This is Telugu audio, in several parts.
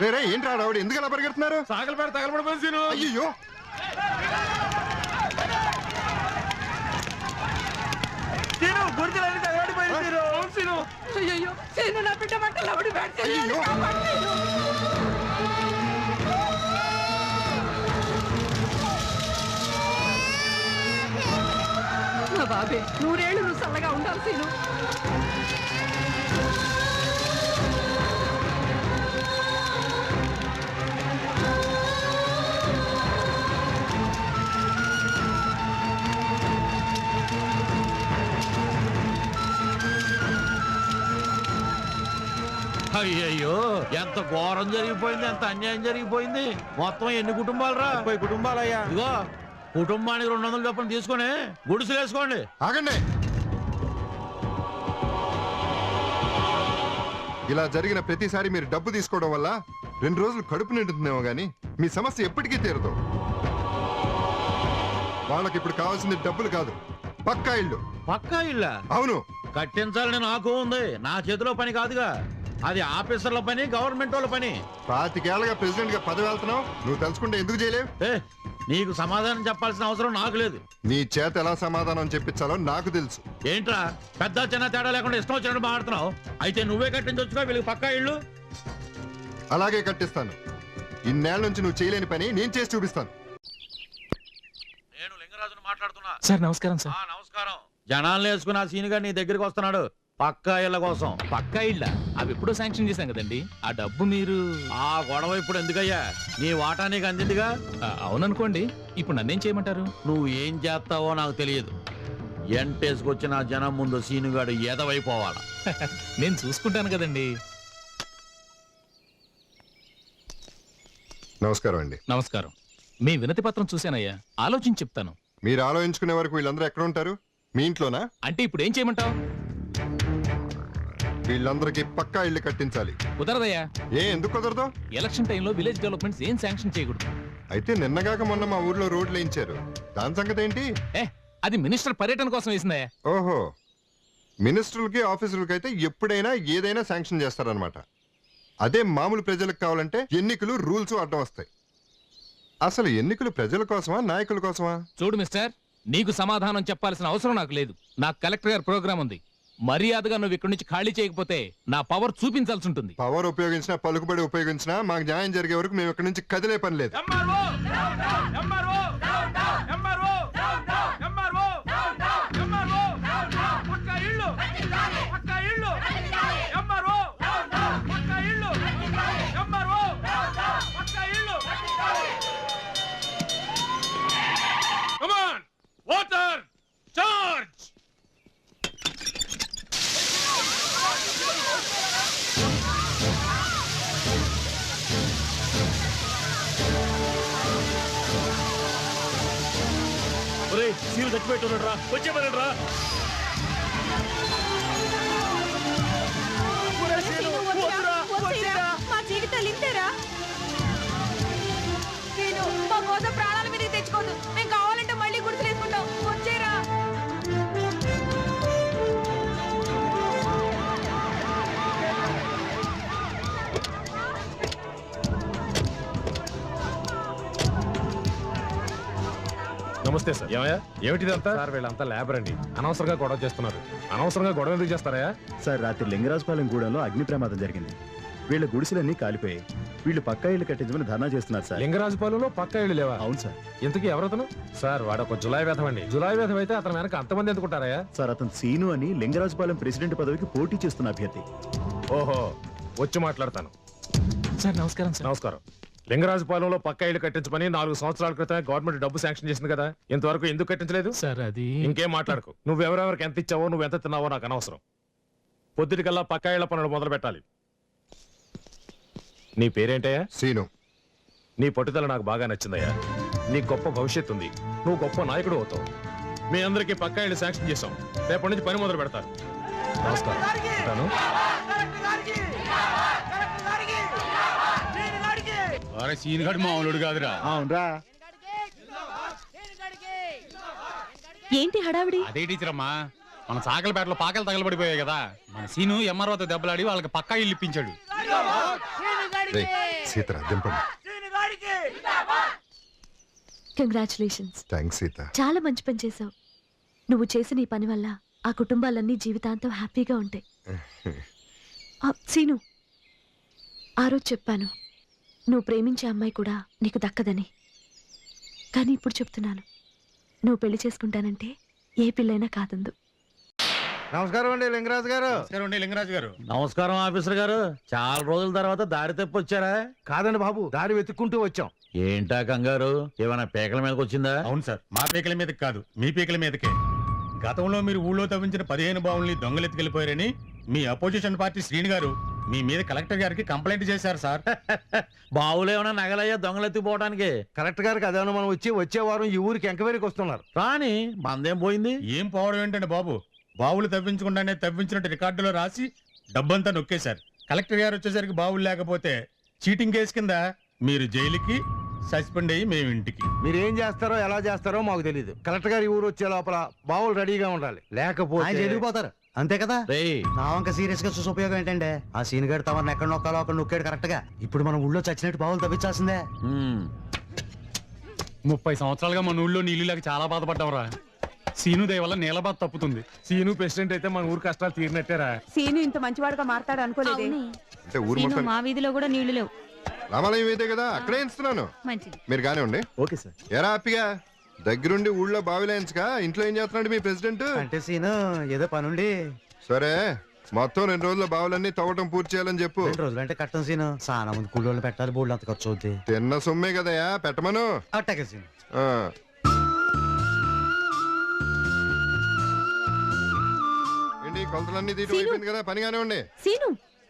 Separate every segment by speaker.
Speaker 1: రే ఏంటి రావడం ఎందుకు అలా పరిగెడుతున్నారు?
Speaker 2: సాగలపేట తగలబడిపోయింది సీను.
Speaker 1: అయ్యో
Speaker 2: సీను గుర్తులన్నీ తగలబడిపోయింది సీను. సీను
Speaker 3: అయ్యో సీను నా బిడ్డ బట్టలు అప్పుడు
Speaker 1: అయ్యో
Speaker 3: నా బాబే 100 ఏళ్ళు నువ్వు చల్లగా ఉండాలి సీను.
Speaker 4: అయ్యయ్యో ఎంత ఘోరం జరిగిపోయింది, ఎంత అన్యాయం జరిగిపోయింది. మొత్తం ఎన్ని కుటుంబాలు రా?
Speaker 2: 30 కుటుంబాలయ్యా.
Speaker 4: ఇదిగో కుటుంబానికి 200 చొప్పున తీసుకొని గుడిసెలు వేసుకోండి.
Speaker 1: ఆగండి. ఇలా జరిగిన ప్రతిసారి మీరు డబ్బు తీసుకోవడం వల్ల 2 రోజులు కడుపు నిండుతుందేమో గానీ మీ సమస్య ఎప్పటికీ తీరదు. వాళ్ళకి ఇప్పుడు కావాల్సింది డబ్బులు కాదు, పక్కా ఇల్లు.
Speaker 4: పక్కా ఇళ్ళ?
Speaker 1: అవును.
Speaker 4: కట్టించాలని నాకు ఉంది, నా చేతిలో పని కాదుగా. అది ఆఫీసర్ల పని, గవర్నమెంట్ వాళ్ళ పని.
Speaker 1: 25 ఏళ్ళగా ప్రెసిడెంట్ గా పదవి వెళ్తున్నావు, నువ్వు తెలుసుకుంటే ఎందుకు చేయలేవు?
Speaker 4: నీకు సమాధానం చెప్పాల్సిన అవసరం నాకు లేదు.
Speaker 1: నీ చేత ఎలా సమాధానం చెప్పించాలో నాకు తెలుసు.
Speaker 4: ఏంట్రా పెద్ద చిన్న తేడా లేకుండా ఇష్టం వచ్చినట్టు మాట్లాడుతున్నావు? అయితే నువ్వే కట్టించొచ్చుగా వీళ్ళకి పక్కా ఇళ్ళు.
Speaker 1: అలాగే కట్టిస్తాను. ఇన్నేళ్ల నుంచి నువ్వు చేయలేని పని నేను చేసి చూపిస్తాను.
Speaker 4: నేను లింగరాజును మాట్లాడుతున్నా.
Speaker 5: సార్ నమస్కారం సార్.
Speaker 4: నమస్కారం. జనాలను వేసుకుని ఆ సీనుగా నీ దగ్గరికి వస్తున్నాడు పక్కా ఇళ్ళ కోసం.
Speaker 5: పక్కా ఇళ్ళ? అవి ఎప్పుడో శాంక్షన్ చేశాం కదండి. ఆ డబ్బు మీరు...
Speaker 4: ఆ గొడవ ఇప్పుడు ఎందుకయ్యా? నీ వాటా నీకు అందిందిగా.
Speaker 5: అవుననుకోండి, ఇప్పుడు నన్నేం చేయమంటారు?
Speaker 4: నువ్వు ఏం చేస్తావో నాకు తెలియదు. ఎంటేసుకొచ్చిన జనం ముందు సీనుగాడు ఎదవైపోవాలా.
Speaker 5: నేను చూసుకుంటాను కదండి.
Speaker 1: నమస్కారం అండి.
Speaker 5: నమస్కారం. మీ వినతి పత్రం చూశానయ్యా, ఆలోచించి చెప్తాను.
Speaker 1: మీరు ఆలోచించుకునే వరకు వీళ్ళందరూ ఎక్కడ ఉంటారు? మీ ఇంట్లోనా?
Speaker 5: అంటే ఇప్పుడు ఏం చేయమంటావు?
Speaker 1: వీళ్ళందరికీ పక్కా ఇల్లు కట్టించాలి.
Speaker 5: కుదరదయ్యా.
Speaker 1: ఎందుకు కుదరదు?
Speaker 5: ఎలక్షన్ టైంలో విలేజ్ డెవలప్మెంట్స్ ఏం శాంక్షన్ చేయకూడదు.
Speaker 1: అయితే నిన్నగాక మొన్న మా ఊర్లో రోడ్లు వేయించారు, దాని సంగతి ఏంటి?
Speaker 5: అది మినిస్టర్ పర్యటన కోసం వేసిందయ్యా.
Speaker 1: ఓహో, మినిస్టర్లకి ఆఫీసర్లకి అయితే ఎప్పుడైనా ఏదైనా శాంక్షన్ చేస్తారనమాట. అదే మామూలు ప్రజలకు కావాలంటే ఎన్నికలు రూల్స్ అడ్డం వస్తాయి. అసలు ఎన్నికలు ప్రజల కోసమా నాయకుల కోసమా?
Speaker 5: చూడు మిస్టర్, నీకు సమాధానం చెప్పాల్సిన అవసరం నాకు లేదు. నాకు కలెక్టర్ గారి ప్రోగ్రామ్ ఉంది. మర్యాదగా నువ్వు ఇక్కడి నుంచి ఖాళీ చేయకపోతే నా పవర్ చూపించాల్సి ఉంటుంది.
Speaker 1: పవర్ ఉపయోగించినా పలుకుబడి ఉపయోగించినా మాకు న్యాయం జరిగే వరకు మేము ఇక్కడి నుంచి కదిలే పని లేదు.
Speaker 2: Water charge. సీలు చచ్చిపెట్టున్నాడు రా, వచ్చేమన్నాడు రా.
Speaker 3: మా జీవితాలు ఇంతేరా. నేను మా కోసం ప్రాణాల మీద తెచ్చుకోదు. మేము కావాలంటే మళ్ళీ గుర్తులేసుకుంటాం. వచ్చేరా.
Speaker 2: నమస్తే సార్. ఏమయ్యా ఏమిటిదంతా? సార్ వీళ్ళంతా లేబర్ అండి, అనవసరంగా గొడవ చేస్తున్నారు. అనవసరంగా గొడవ ఎందుకు చేస్తారా?
Speaker 6: సార్ రాత్రి లింగరాజపాలెం గూడెంలో అగ్ని ప్రమాదం జరిగింది. వీళ్ళ గుడిసెలన్నీ కాలిపోయాయి. వీళ్ళు పక్కా ఇల్లు కట్టించమని ధర్నా చేస్తున్నారు సార్.
Speaker 2: లింగరాజపాలెంలో పక్కా ఇళ్ళు లేవా?
Speaker 6: అవును సార్.
Speaker 2: ఇంతకీ ఎవరతను? సార్ వాడు ఒక జులాయి వేధం అండి. జులాయి వేధం అయితే అతను వెనక అంతమంది ఎందుకుంటారా?
Speaker 6: సార్ అతను సీను అని లింగరాజపాలెం ప్రెసిడెంట్ పదవికి పోటీ చేస్తున్న అభ్యర్థి.
Speaker 2: ఓహో, వచ్చి మాట్లాడతాను.
Speaker 5: సార్ నమస్కారం సార్.
Speaker 2: నమస్కారం. లింగరాజపాలెంలో పక్కా ఇల్లు కట్టించమని 4 సంవత్సరాల క్రితం గవర్నమెంట్ డబ్బు శాంక్షన్ చేసింది కదా, ఇంతవరకు ఎందుకు కట్టించలేదు?
Speaker 5: సార్ అది...
Speaker 2: ఇంకేం మాట్లాడకు. నువ్వెవరెవరికి ఎంత ఇచ్చావో, నువ్వు ఎంత తిన్నావో నాకు అనవసరం. పొద్దుటికల్లా పక్కా ఇళ్ల పనులు మొదలు పెట్టాలి. నీ పేరేంటయ్యా?
Speaker 1: సీను.
Speaker 2: నీ పట్టుదల నాకు బాగా నచ్చిందయ్యా. నీ గొప్ప భవిష్యత్తు ఉంది, నువ్వు గొప్ప నాయకుడు అవుతావు. మీ అందరికీ పక్కా ఇళ్ళు శాంక్షన్ చేశాం. రేపటి నుంచి పని మొదలు పెడతారు. నమస్కారం. ఉంటాను.
Speaker 4: సీనుగాడు మామూలుడు కాదురా.
Speaker 6: అవునరా.
Speaker 3: ఏంటి హడావిడి?
Speaker 7: అదే టీచర్ అమ్మా, మన సాకలపేటలో పాకలు తగలబడిపోయాయి కదా, మన సీను ఎంఆర్ఓతో దెబ్బలాడి వాళ్ళకి పక్కా ఇల్లు ఇప్పించాడు.
Speaker 1: సీతరా దింపండి.
Speaker 8: కంగ్రాచులేషన్స్.
Speaker 1: థ్యాంక్స్ సీత.
Speaker 8: చాలా మంచి పని చేశావు. నువ్వు చేసిన ఈ పని వల్ల ఆ కుటుంబాలన్నీ జీవితాంతం హ్యాపీగా ఉంటాయి. సీను, ఆ రోజు చెప్పాను నువ్వు ప్రేమించే అమ్మాయి కూడా నీకు దక్కదని. కానీ ఇప్పుడు చెప్తున్నాను, నువ్వు పెళ్లి చేసుకుంటానంటే ఏ పిల్లైనా కాదందు.
Speaker 9: నమస్కారం అండి లింగరాజు గారు.
Speaker 7: నమస్కారం అండి లింగరాజు గారు.
Speaker 4: నమస్కారం ఆఫీసర్ గారు. చాలా రోజుల తర్వాత దారి తప్పి వచ్చారా?
Speaker 9: కాదండి బాబు, దారి వెతుక్కుంటూ వచ్చాం.
Speaker 4: ఏంటా కంగారు? ఏమైనా పేకల మీదకి వచ్చిందా?
Speaker 7: అవును సార్, మా పీకల మీదకి కాదు, మీ పీకల మీదకే. గతంలో మీరు ఊళ్ళో తవ్వించిన 15 బావుల్ని దొంగలెత్తుకెళ్లిపోయారని మీ అపోజిషన్ పార్టీ శ్రీని గారు మీ మీద కలెక్టర్ గారికి కంప్లైంట్ చేశారు సార్.
Speaker 4: బావులేమన్నా నగలయ్యా దొంగలెత్తిపోవడానికి?
Speaker 9: కలెక్టర్ గారికి అదేమన్నా మనం వచ్చే వారం ఈ ఊరికి ఎంక్వైరీకి వస్తున్నారు.
Speaker 4: రాని మందేం పోయింది?
Speaker 7: ఏం పోవడం ఏంటండి బాబు, బావులు తవ్వించకుండానే తవ్వించినట్టు రికార్డులో రాసి డబ్బంతా నొక్కేశారు. కలెక్టర్ గారు వచ్చేసరికి బావులు లేకపోతే చీటింగ్ కేసు కింద మీరు జైలుకి, సస్పెండ్ అయ్యి మేము ఇంటికి.
Speaker 9: మీరు ఏం చేస్తారో ఎలా చేస్తారో మాకు తెలియదు. కలెక్టర్ గారి ఊరు వచ్చే లోపల బావులు రెడీగా ఉండాలి, లేకపోతే
Speaker 10: వెళ్ళిపోతారు అంతే కదా.
Speaker 4: రేయ్,
Speaker 10: నా వంక సీరియస్ గా చూసి ఉపయోగం ఏంటంటే ఆ సీన్ గడు తమను ఎక్కడ నొక్కాలో అక్కడ నొక్కాడు కరెక్ట్ గా. ఇప్పుడు మనం ఊళ్ళో చచ్చినట్టు బావులు తవ్వించాల్సిందే.
Speaker 7: 30 సంవత్సరాలుగా మన ఊళ్ళో నీళ్ళు లేక చాలా బాధపడ్డాంరా. సీను దయ వల్ల నీళ్ళ బాధ తప్పుతుంది.
Speaker 2: సీను ప్రెసిడెంట్ అయితే మన ఊరు కష్టాలు తీరినట్టేరా.
Speaker 3: సీను ఇంత మంచివాడుగా మారతాడు అనుకోలేదే.
Speaker 1: అంటే ఊరు మొత్తం
Speaker 3: మా వీధిలో కూడా నీళ్లు లేవు.
Speaker 1: రామాలయం అయితే కదా, అక్కడే ఇస్తున్నాను.
Speaker 3: మంచిది.
Speaker 1: మీరు కానివ్వండి.
Speaker 6: Okay sir.
Speaker 1: ఎరా హ్యాపీగా దగ్గరుండి ఊళ్ళో బావిలేయించగా ఇంట్లో ఏం చేస్తున్నాడు మీ ప్రెసిడెంట్?
Speaker 10: అంటే సీన్ ఏదో పనుండి
Speaker 1: సరే, మొత్తం 2 రోజుల్లో బావులన్నీ తవ్వటం పూర్తి చేయాలని చెప్పు.
Speaker 10: 2 రోజులు అంటే కట్టం సీన్. చాలా మంది కూలోళ్ళు పెట్టాలి, బోర్డు అంత ఖర్చు అవుద్ది.
Speaker 1: తిన్న సొమ్మే కదయా, పెట్టమను.
Speaker 10: అట్టాకే సీన్.
Speaker 1: ఆ. ఏంటి కొలతలన్నీ తీయటం అయిపోయింది కదా, పనిగానే ఉండి.
Speaker 8: సీను,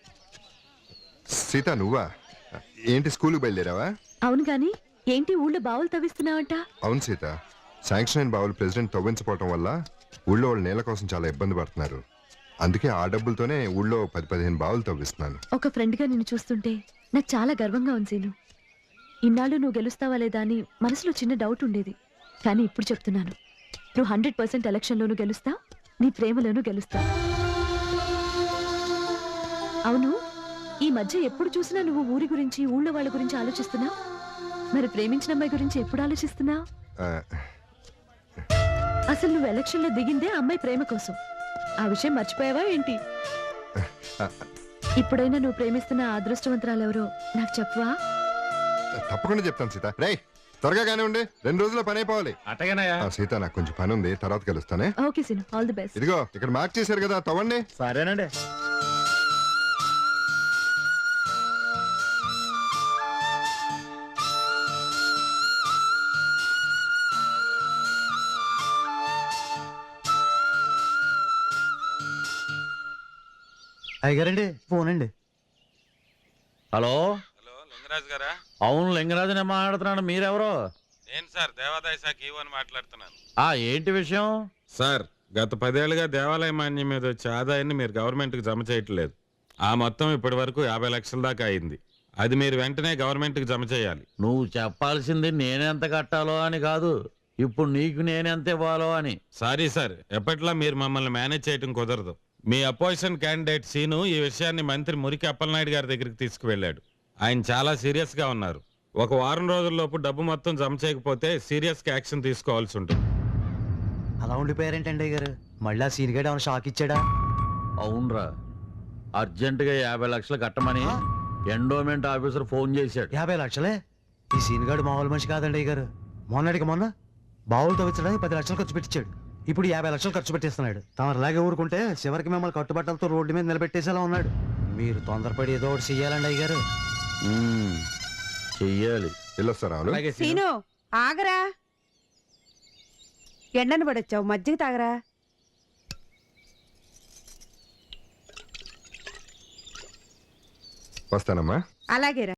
Speaker 1: సీత నువ్వా? ఏంటి స్కూల్కి బయలుదేరావా?
Speaker 8: అవును గాని ఏంటి ఊళ్ళో బావులు తవ్విస్తున్నావంట?
Speaker 1: అవును సీత, శాంక్షన్ అయిన బావులు ప్రెసిడెంట్ తవ్వించపోవటం వల్ల ఊళ్ళో వాళ్ళు నీళ్ళ కోసం చాలా ఇబ్బంది పడుతున్నారు. అందుకే ఆ డబ్బులతోనే ఊళ్ళో 10-15 బావులు తవ్విస్తున్నాను.
Speaker 8: ఒక ఫ్రెండ్ గా నిన్ను చూస్తుంటే నాకు చాలా గర్వంగా ఉంది సీను. ఇన్నాళ్ళు నువ్వు గెలుస్తావా లేదా అని మనసులో చిన్న డౌట్ ఉండేది. కానీ ఇప్పుడు చెప్తున్నాను, నువ్వు 100% ఎలక్షన్లోనూ గెలుస్తావు, నీ ప్రేమలోనూ గెలుస్తావు. అవును, ఈ మధ్య ఎప్పుడు చూసినా నువ్వు ఊరి గురించి, ఊళ్ళో వాళ్ళ గురించి ఆలోచిస్తున్నావు. మరి ప్రేమించిన అమ్మాయి గురించి ఎప్పుడు ఆలోచిస్తున్నావు?
Speaker 1: ఆ,
Speaker 8: అసలు నువ్వు ఎలక్షన్లో దిగిందే అమ్మాయి ప్రేమ కోసం. ఆ విషయం మర్చిపోయావా ఏంటి? ఇప్పుడైనా నువ్వు ప్రేమిస్తున్న ఆ అదృష్టవంతరాలు ఎవరో నాకు చెప్పవా?
Speaker 1: తప్పకుండా చెప్తాను సీత. రేయ్ త్వరగా కానీ ఉండి, 2 రోజుల్లో పని అయిపోవాలి.
Speaker 2: అటగనయా.
Speaker 1: సీత నాకు కొంచెం పని ఉంది, తర్వాత కలుస్తానే.
Speaker 8: Okay Seenu, all the best.
Speaker 1: ఇదిగో ఇక్కడ మార్క్ చేశారు కదా, తవ్వండి.
Speaker 6: సరేనండి.
Speaker 10: అయ్యారండి ఫోన్ అండి.
Speaker 4: హలో.
Speaker 11: హలో లింగరాజు గారా?
Speaker 4: అవును, లింగరాజునే మాట్లాడుతున్నాను. మీరెవరో?
Speaker 11: నేను సార్ దేవాదాయ శాఖ ఈవోని మాట్లాడుతున్నాను.
Speaker 4: ఏంటి విషయం?
Speaker 11: సార్, గత 10 ఏళ్లుగా దేవాలయ మాన్యం మీద వచ్చే ఆదాయాన్ని మీరు గవర్నమెంట్కి జమ చేయట్లేదు. ఆ మొత్తం ఇప్పటి వరకు 50 లక్షల దాకా అయింది. అది మీరు వెంటనే గవర్నమెంట్కి జమ చేయాలి.
Speaker 4: నువ్వు చెప్పాల్సింది నేనెంత కట్టాలో అని కాదు, ఇప్పుడు నీకు నేనెంత ఇవ్వాలో అని.
Speaker 11: సారీ సార్, ఎప్పట్లా మీరు మమ్మల్ని మేనేజ్ చేయడం కుదరదు. మీ అపోజిషన్ క్యాండిడేట్ సీను ఈ విషయాన్ని మంత్రి మురికి అప్పలనాయుడు గారి దగ్గరికి తీసుకువెళ్ళాడు. ఆయన చాలా సీరియస్ గా ఉన్నారు. 1 వారం రోజుల్లోపు డబ్బు మొత్తం జమ చేయకపోతే సీరియస్ గా యాక్షన్ తీసుకోవాల్సి ఉంటుంది.
Speaker 10: అలా ఉండిపోయారేంటండి అయ్యారు? మళ్ళీ ఆ సీన్ గడు ఏమైనా షాక్ ఇచ్చాడా?
Speaker 4: అవునరా, అర్జెంటుగా 50 లక్షలు కట్టమని ఎండోమెంట్ ఆఫీసర్ ఫోన్ చేశాడు.
Speaker 10: 50 లక్షలే? ఈ సీన్ గడు మామూలు మనిషి కాదండి అయ్యారు. మొన్న బావులు తవ్వించడానికి 10 లక్షలు ఖర్చు పెట్టించాడు. ఇప్పుడు 50 లక్షలు ఖర్చు పెట్టేస్తున్నాడు. తమరిలాగే ఊరుకుంటే చివరికి మిమ్మల్ని కట్టుబట్టలతో రోడ్డు మీద నిలబెట్టేసేలా ఉన్నాడు. మీరు తొందరపడి ఏదో ఒకటి చెయ్యాలండి అయ్యారు.
Speaker 4: చెయ్యాలి.
Speaker 1: వెళ్ళొస్తారా?
Speaker 3: సీను ఆగరా, ఎండను పడొచ్చావు, మజ్జిగ తాగరా.
Speaker 1: వస్తానమ్మా.
Speaker 3: అలాగేరా.